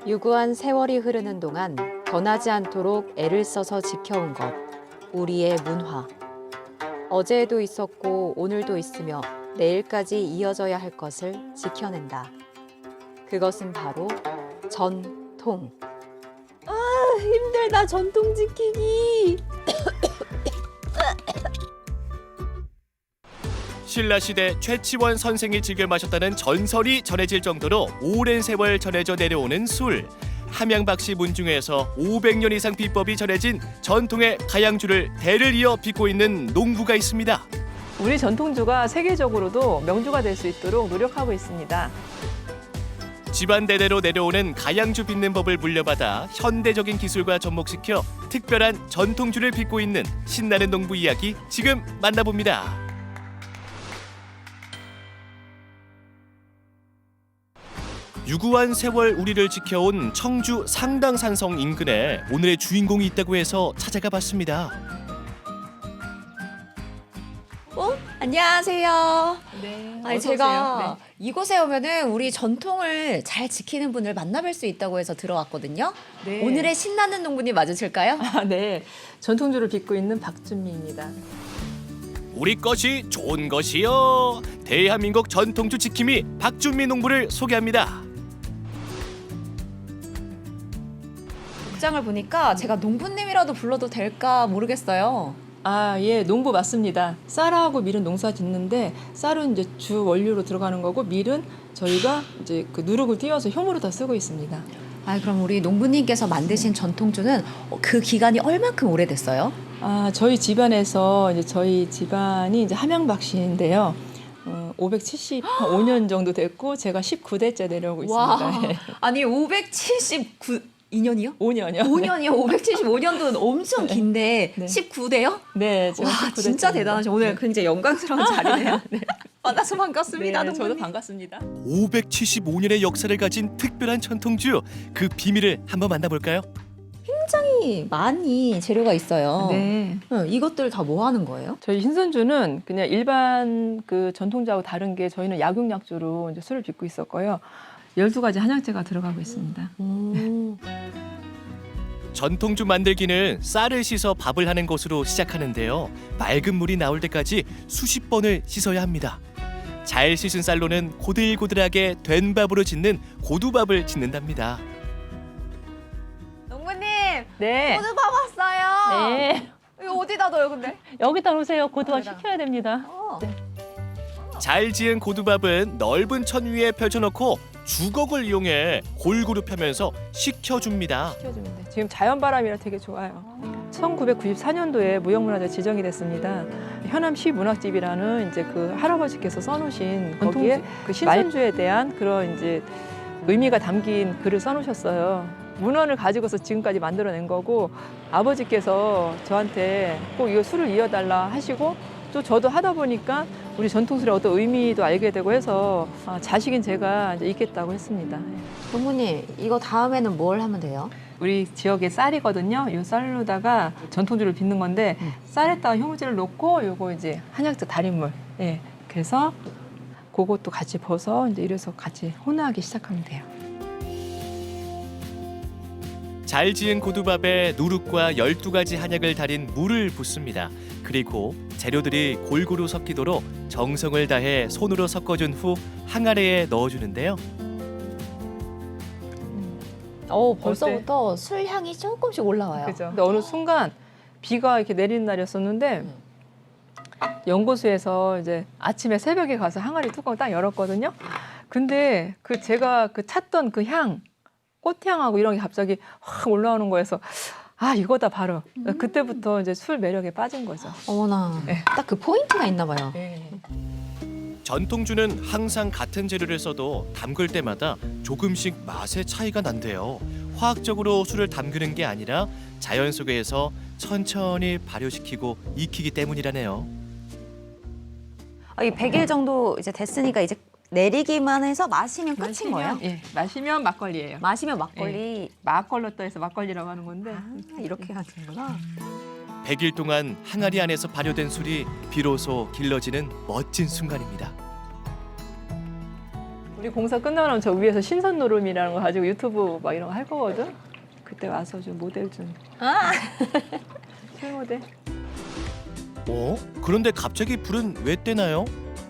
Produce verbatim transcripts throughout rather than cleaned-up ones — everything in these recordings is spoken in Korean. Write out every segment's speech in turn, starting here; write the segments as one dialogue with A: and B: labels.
A: 유구한 세월이 흐르는 동안 변하지 않도록 애를 써서 지켜온 것, 우리의 문화. 어제에도 있었고 오늘도 있으며 내일까지 이어져야 할 것을 지켜낸다. 그것은 바로 전통. 아, 힘들다, 전통 지키기.
B: 신라시대 최치원 선생이 즐겨 마셨다는 전설이 전해질 정도로 오랜 세월 전해져 내려오는 술. 함양박씨 문중에서 오백 년 이상 비법이 전해진 전통의 가양주를 대를 이어 빚고 있는 농부가 있습니다.
C: 우리 전통주가 세계적으로도 명주가 될 수 있도록 노력하고 있습니다.
B: 집안 대대로 내려오는 가양주 빚는 법을 물려받아 현대적인 기술과 접목시켜 특별한 전통주를 빚고 있는 신나는 농부 이야기 지금 만나봅니다. 유구한 세월 우리를 지켜온 청주 상당산성 인근에 오늘의 주인공이 있다고 해서 찾아가 봤습니다.
A: 어? 안녕하세요.
C: 네.
A: 아니, 제가 이곳에 오면은 우리 전통을 잘 지키는 분을 만나뵐 수 있다고 해서 들어왔거든요.
C: 네.
A: 오늘의 신나는 농부님 맞으실까요?
C: 아, 네. 전통주를 빚고 있는 박준미입니다.
B: 우리 것이 좋은 것이요. 대한민국 전통주 지킴이 박준미 농부를 소개합니다.
A: 복장을 보니까 제가 농부님이라도 불러도 될까 모르겠어요.
C: 아, 예, 농부 맞습니다. 쌀하고 밀은 농사 짓는데 쌀은 이제 주 원료로 들어가는 거고 밀은 저희가 이제 그 누룩을 띄워서 효모로 다 쓰고 있습니다.
A: 아, 그럼 우리 농부님께서 만드신 전통주는 그 기간이 얼만큼 오래됐어요?
C: 아, 저희 집안에서 이제 저희 집안이 이제 함양박씨인데요. 어, 오백칠십오 년 정도 됐고 제가 십구 대째 내려오고 있습니다. 예.
A: 아니 오백칠십구 년이요?
C: 오 년이요.
A: 오 년이요? 오백칠십오 년도는 엄청 긴데
C: 네.
A: 십구 대요?
C: 네, 제가
A: 와,
C: 십구 대째
A: 진짜
C: 입니다.
A: 대단하죠. 오늘
C: 네.
A: 굉장히 영광스러운 자리네요. 만나서 반갑습니다.
C: 네, 저도
A: 농부님.
C: 반갑습니다.
B: 오백칠십오 년의 역사를 가진 특별한 전통주, 그 비밀을 한번 만나볼까요?
A: 굉장히 많이 재료가 있어요.
C: 네.
A: 응, 이것들 다 뭐 하는 거예요?
C: 저희 신선주는 그냥 일반 그 전통주하고 다른 게 저희는 약육약주로 이제 술을 빚고 있었고요. 열두 가지 한약재가 들어가고 있습니다.
A: 음.
B: 전통주 만들기는 쌀을 씻어 밥을 하는 것으로 시작하는데요. 맑은 물이 나올 때까지 수십 번을 씻어야 합니다. 잘 씻은 쌀로는 고들고들하게 된 밥으로 짓는 고두밥을 짓는답니다.
A: 농부님,
C: 네.
A: 고두밥 왔어요.
C: 네.
A: 이거 어디다 넣어요, 근데?
C: 여기다 놓으세요. 고두밥
A: 여기다.
C: 식혀야 됩니다.
A: 어.
C: 네.
B: 잘 지은 고두밥은 넓은 천 위에 펼쳐놓고 주걱을 이용해 골고루 펴면서 식혀줍니다.
C: 식혀주면 돼. 지금 자연바람이라 되게 좋아요. 천구백구십사 년도에 무형문화재 지정이 됐습니다. 현암시 문학집이라는 이제 그 할아버지께서 써놓으신 거기에 그 신선주에 대한 그런 이제 의미가 담긴 글을 써놓으셨어요. 문헌을 가지고서 지금까지 만들어낸 거고 아버지께서 저한테 꼭 이거 술을 이어달라 하시고 또 저도 하다 보니까 우리 전통술의 어떤 의미도 알게 되고 해서 아, 자식인 제가 이제 있겠다고 했습니다.
A: 농부님, 이거 다음에는 뭘 하면 돼요?
C: 우리 지역의 쌀이거든요. 이 쌀로다가 전통주를 빚는 건데
A: 음.
C: 쌀에다가 효모제를 넣고 요거 이제 한약재 달인물. 예. 그래서 그것도 같이 벗어 이제 이래서 같이 혼합하기 시작하면 돼요.
B: 잘 지은 고두밥에 누룩과 열두 가지 한약을 달인 물을 붓습니다. 그리고 재료들이 골고루 섞이도록 정성을 다해 손으로 섞어준 후 항아리에 넣어주는데요.
A: 어, 벌써부터 술 향이 조금씩 올라와요.
C: 그죠. 근데 어느 순간 비가 이렇게 내리는 날이었었는데
A: 음.
C: 연고수에서 이제 아침에 새벽에 가서 항아리 뚜껑 딱 열었거든요. 근데 그 제가 그 찾던 그 향, 꽃향하고 이런 게 갑자기 확 올라오는 거여서 아 이거다 바로.
A: 음.
C: 그때부터 이제 술 매력에 빠진 거죠.
A: 어머나,
C: 네.
A: 딱 그 포인트가 있나 봐요.
C: 네.
B: 전통주는 항상 같은 재료를 써도 담글 때마다 조금씩 맛의 차이가 난대요. 화학적으로 술을 담그는 게 아니라 자연 속에서 천천히 발효시키고 익히기 때문이라네요.
A: 아, 이 백 일 정도 이제 됐으니까 이제 내리기만 해서 마시면 끝인 거예요?
C: 예, 마시면 막걸리예요.
A: 마시면 막걸리.
C: 막걸로 떠서 막걸리라고 하는 건데.
A: 아, 이렇게 하는구나.
B: 백 일 동안 항아리 안에서 발효된 술이 비로소 길러지는 멋진 순간입니다.
C: 우리 공사 끝나면 저 위에서 신선 노름이라는 거 가지고 유튜브 막 이런 거 할 거거든. 그때 와서 좀 모델 좀.
A: 아.
C: 실모델.
B: 어? 그런데 갑자기 불은 왜 떼나요?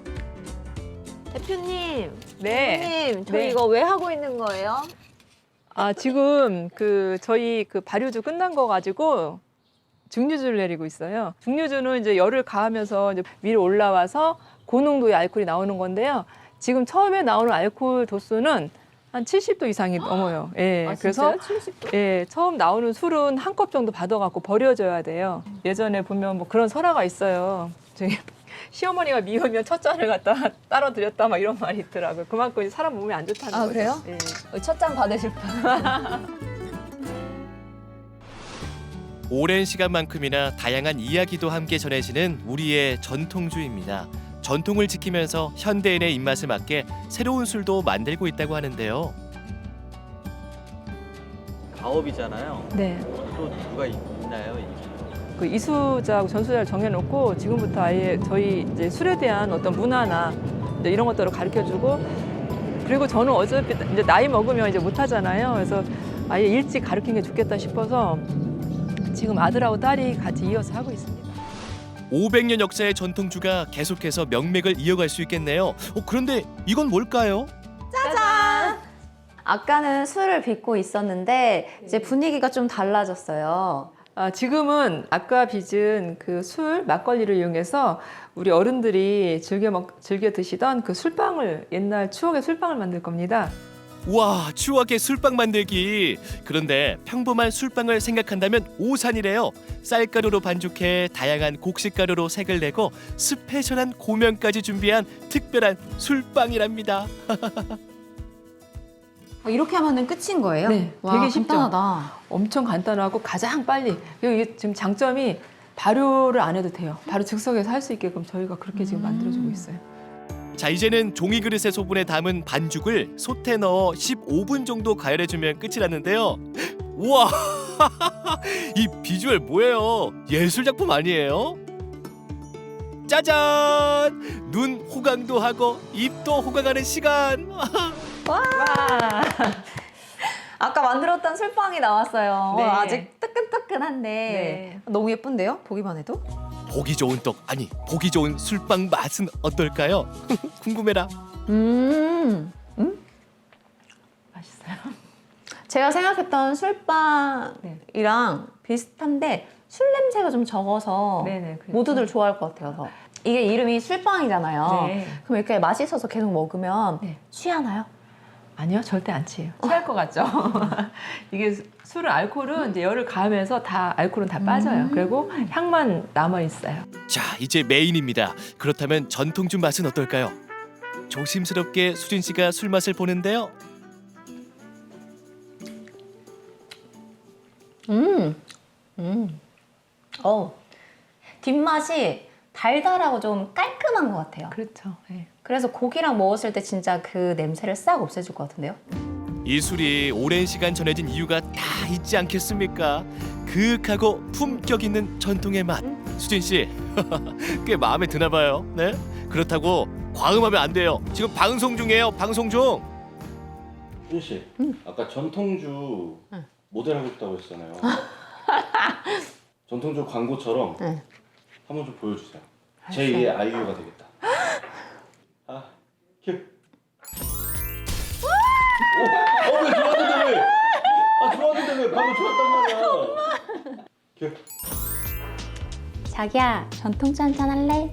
A: 대표님,
C: 네.
A: 대표님, 저희
C: 네.
A: 이거 왜 하고 있는 거예요?
C: 아 지금 그 저희 그 발효주 끝난 거 가지고 증류주를 내리고 있어요. 증류주는 이제 열을 가하면서 이제 위로 올라와서 고농도의 알코올이 나오는 건데요. 지금 처음에 나오는 알코올 도수는 한 칠십 도 이상이 넘어요. 예.
A: 아,
C: 그래서
A: 진짜요? 칠십 도?
C: 예, 처음 나오는 술은 한 컵 정도 받아갖고 버려줘야 돼요. 예전에 보면 뭐 그런 설화가 있어요. 저기 시어머니가 미우면 첫 잔을 갖다 따로 드렸다 막 이런 말이 있더라고요. 그만큼 이제 사람 몸에 안 좋다는
A: 아,
C: 거죠.
A: 그래요?
C: 예.
A: 첫 잔 받으실 분.
B: 오랜 시간만큼이나 다양한 이야기도 함께 전해지는 우리의 전통주입니다. 전통을 지키면서 현대인의 입맛에 맞게 새로운 술도 만들고 있다고 하는데요.
D: 가업이잖아요.
C: 네.
D: 또 누가 있- 있나요?
C: 그 이수자하고 전수자를 정해놓고 지금부터 아예 저희 이제 술에 대한 어떤 문화나 이제 이런 것들을 가르쳐주고 그리고 저는 어차피 이제 나이 먹으면 이제 못하잖아요. 그래서 아예 일찍 가르친 게 좋겠다 싶어서 지금 아들하고 딸이 같이 이어서 하고 있습니다.
B: 오백 년 역사의 전통주가 계속해서 명맥을 이어갈 수 있겠네요. 어, 그런데 이건 뭘까요?
A: 짜잔! 아까는 술을 빚고 있었는데 이제 분위기가 좀 달라졌어요.
C: 아, 지금은 아까 빚은 그 술 막걸리를 이용해서 우리 어른들이 즐겨 먹 즐겨 드시던 그 술빵을 옛날 추억의 술빵을 만들 겁니다.
B: 와, 추억의 술빵 만들기. 그런데 평범한 술빵을 생각한다면 오산이래요. 쌀가루로 반죽해 다양한 곡식가루로 색을 내고 스페셜한 고명까지 준비한 특별한 술빵이랍니다.
A: 아, 이렇게 하면은 끝인 거예요?
C: 네,
A: 와,
C: 되게 쉽죠?
A: 간단하다.
C: 엄청 간단하고 가장 빨리. 그리고 이게 지금 장점이 발효를 안 해도 돼요. 바로 즉석에서 할 수 있게끔 저희가 그렇게 지금 만들어주고 있어요.
B: 자, 이제는 종이 그릇의 소분에 담은 반죽을 솥에 넣어 십오 분 정도 가열해주면 끝이라는데요. 우와, 이 비주얼 뭐예요? 예술 작품 아니에요? 짜잔! 눈 호강도 하고 입도 호강하는 시간.
A: 와. 아까 만들었던 술빵이 나왔어요.
C: 네.
A: 아직 뜨끈뜨끈한데
C: 네.
A: 너무 예쁜데요? 보기만 해도?
B: 보기 좋은 떡, 아니 보기 좋은 술빵 맛은 어떨까요? 궁금해라.
A: 음, 음?
C: 맛있어요.
A: 제가 생각했던 술빵이랑 비슷한데 술 냄새가 좀 적어서
C: 네네, 그렇죠.
A: 모두들 좋아할 것 같아요. 이게 이름이 술빵이잖아요.
C: 네.
A: 그럼 이렇게 맛있어서 계속 먹으면
C: 네.
A: 취하나요?
C: 아니요, 절대 안 취해요. 취할 것 같죠? 이게 술은 알코올은 이제 열을 가하면서 다 알코올은 다 빠져요.
A: 음.
C: 그리고 향만 남아 있어요.
B: 자, 이제 메인입니다. 그렇다면 전통주 맛은 어떨까요? 조심스럽게 수진 씨가 술 맛을 보는데요.
A: 음, 음, 어, 뒷맛이 달달하고 좀 깔끔한 것 같아요.
C: 그렇죠. 네.
A: 그래서 고기랑 먹었을 때 진짜 그 냄새를 싹 없애줄 것 같은데요?
B: 이 술이 오랜 시간 전해진 이유가 다 있지 않겠습니까? 그윽하고 품격 있는 전통의 맛. 수진 씨, 꽤 마음에 드나 봐요. 네? 그렇다고 과음하면 안 돼요. 지금 방송 중이에요. 방송 중.
E: 수진 씨,
A: 음.
E: 아까 전통주
A: 응.
E: 모델 하고 싶다고 했잖아요. 전통주 광고처럼
A: 응.
E: 한번 좀 보여주세요. 제이의 아이유가 되겠다. 아, 큐. 어, 어, 왜 좋았는데 왜? 아, 좋았는데 왜? 방금 좋았단 말이야. 큐.
A: 자기야, 전통주 한잔 할래?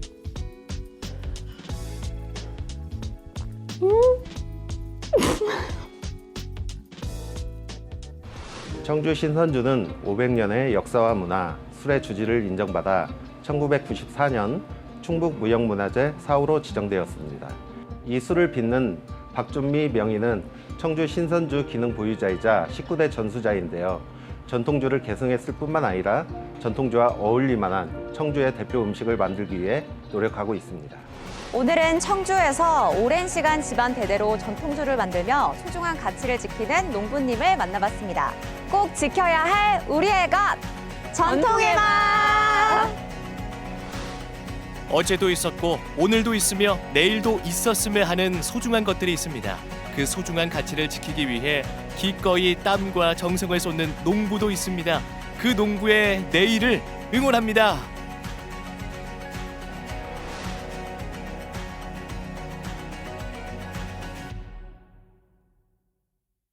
F: 청주 신선주는 오백 년의 역사와 문화, 술의 주지를 인정받아 천구백구십사 년 충북무형문화재 사호로 지정되었습니다. 이 술을 빚는 박준미 명인은 청주 신선주 기능 보유자이자 십구 대 전수자인데요. 전통주를 계승했을 뿐만 아니라 전통주와 어울릴만한 청주의 대표 음식을 만들기 위해 노력하고 있습니다.
A: 오늘은 청주에서 오랜 시간 집안 대대로 전통주를 만들며 소중한 가치를 지키는 농부님을 만나봤습니다. 꼭 지켜야 할 우리의 것! 전통의 맛!
B: 어제도 있었고 오늘도 있으며 내일도 있었으면 하는 소중한 것들이 있습니다. 그 소중한 가치를 지키기 위해 기꺼이 땀과 정성을 쏟는 농부도 있습니다. 그 농부의 내일을 응원합니다.